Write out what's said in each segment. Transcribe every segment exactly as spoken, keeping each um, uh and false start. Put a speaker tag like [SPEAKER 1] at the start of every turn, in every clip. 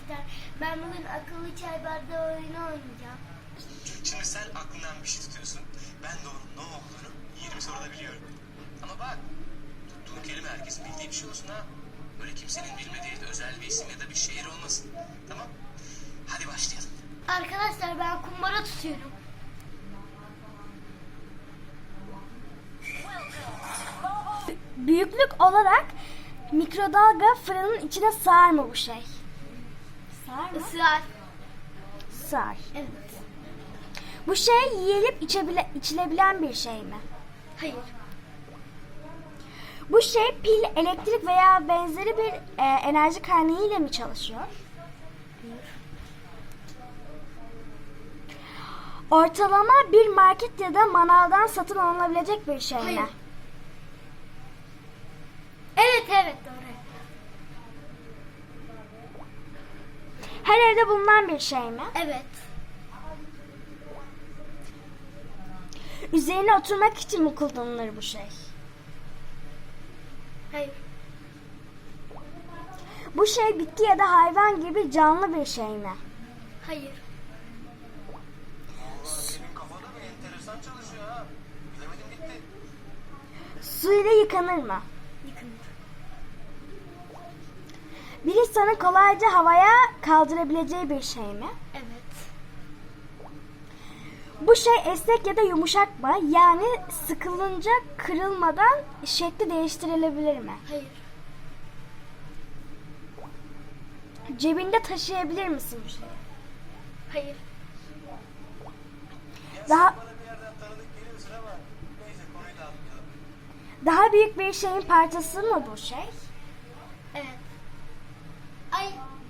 [SPEAKER 1] arkadaşlar. Ben bugün akıllı çay bardağı oyunu oynayacağım.
[SPEAKER 2] Şimdi sen aklından bir şey tutuyorsun. Ben de onun ne olduğunu yirmi soruda biliyorum. Ama bak, tuttuğun kelime herkesin bildiği bir şey olsun ha. Böyle kimsenin bilmediği özel bir isim ya da bir şehir olmasın. Tamam? Hadi başlayalım.
[SPEAKER 1] Arkadaşlar ben kumbara tutuyorum.
[SPEAKER 3] Büyüklük olarak mikrodalga fırının içine sığar mı bu şey? Sığar mı?
[SPEAKER 1] Israr.
[SPEAKER 3] Sığar.
[SPEAKER 1] Evet.
[SPEAKER 3] Bu şey yiyilip içebile, içilebilen bir şey mi?
[SPEAKER 1] Hayır.
[SPEAKER 3] Bu şey pil, elektrik veya benzeri bir e, enerji kaynağı ile mi çalışıyor? Ortalama bir market ya da manavdan satın alınabilecek bir şey
[SPEAKER 1] Hayır.
[SPEAKER 3] mi?
[SPEAKER 1] Evet evet doğru.
[SPEAKER 3] Her evde bulunan bir şey mi?
[SPEAKER 1] Evet.
[SPEAKER 3] Üzerine oturmak için mi kullanılır bu şey?
[SPEAKER 1] Hayır.
[SPEAKER 3] Bu şey bitki ya da hayvan gibi canlı bir şey mi?
[SPEAKER 1] Hayır.
[SPEAKER 2] Senin kafada bir enteresan çalışıyor ha. Bilemedim gitti.
[SPEAKER 3] Su ile yıkanır mı?
[SPEAKER 1] Yıkılır.
[SPEAKER 3] Bir insanın kolayca havaya kaldırabileceği bir şey mi?
[SPEAKER 1] Evet.
[SPEAKER 3] Bu şey esnek ya da yumuşak mı? Yani sıkılınca kırılmadan şekli değiştirilebilir mi?
[SPEAKER 1] Hayır.
[SPEAKER 3] Cebinde taşıyabilir misin bu şeyi?
[SPEAKER 1] Hayır.
[SPEAKER 3] Daha
[SPEAKER 2] Bana bir yerden tanıdık geliyorsun ama neyse konuyu da atlayalım.
[SPEAKER 3] daha büyük bir şeyin parçası mı bu şey?
[SPEAKER 1] Evet. Ay.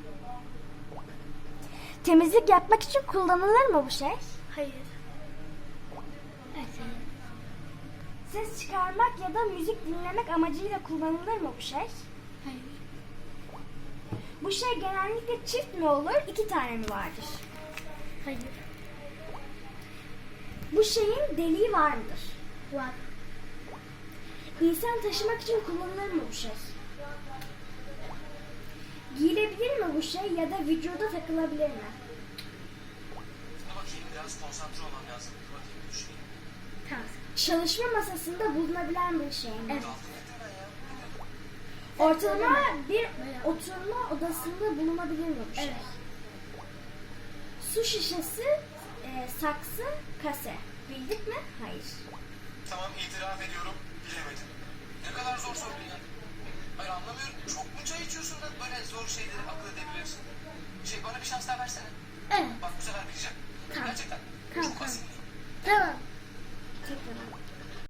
[SPEAKER 3] Temizlik yapmak için kullanılır mı bu şey?
[SPEAKER 1] Hayır. Evet.
[SPEAKER 3] Ses çıkarmak ya da müzik dinlemek amacıyla kullanılır mı bu şey?
[SPEAKER 1] Hayır.
[SPEAKER 3] Bu şey genellikle çift mi olur, iki tane mi vardır?
[SPEAKER 1] Hayır.
[SPEAKER 3] Bu şeyin deliği var mıdır?
[SPEAKER 1] Var.
[SPEAKER 3] İnsan taşımak için kullanılır mı bu şey? Giyilebilir mi bu şey ya da vücuda takılabilir mi?
[SPEAKER 2] Dur bakayım biraz konsantre olmam lazım. Dur bakayım düşüneyim.
[SPEAKER 1] Tamam.
[SPEAKER 3] Çalışma masasında bulunabilen bir şey mi?
[SPEAKER 1] Evet.
[SPEAKER 2] Dalga getir ben ya.
[SPEAKER 3] Ortalama bir oturma odasında bulunabilir mi bu şey?
[SPEAKER 1] Evet.
[SPEAKER 3] Su şişesi, e, saksı, kase. Bildik mi? Hayır.
[SPEAKER 2] Tamam itiraf ediyorum. Bilemedim. Ne kadar zor sordun ya. Hayır anlamıyorum. Çok mu çay içiyorsun da böyle zor şeyleri akıl edebiliyorsun? Şey bana bir şans daha versene.
[SPEAKER 1] Evet.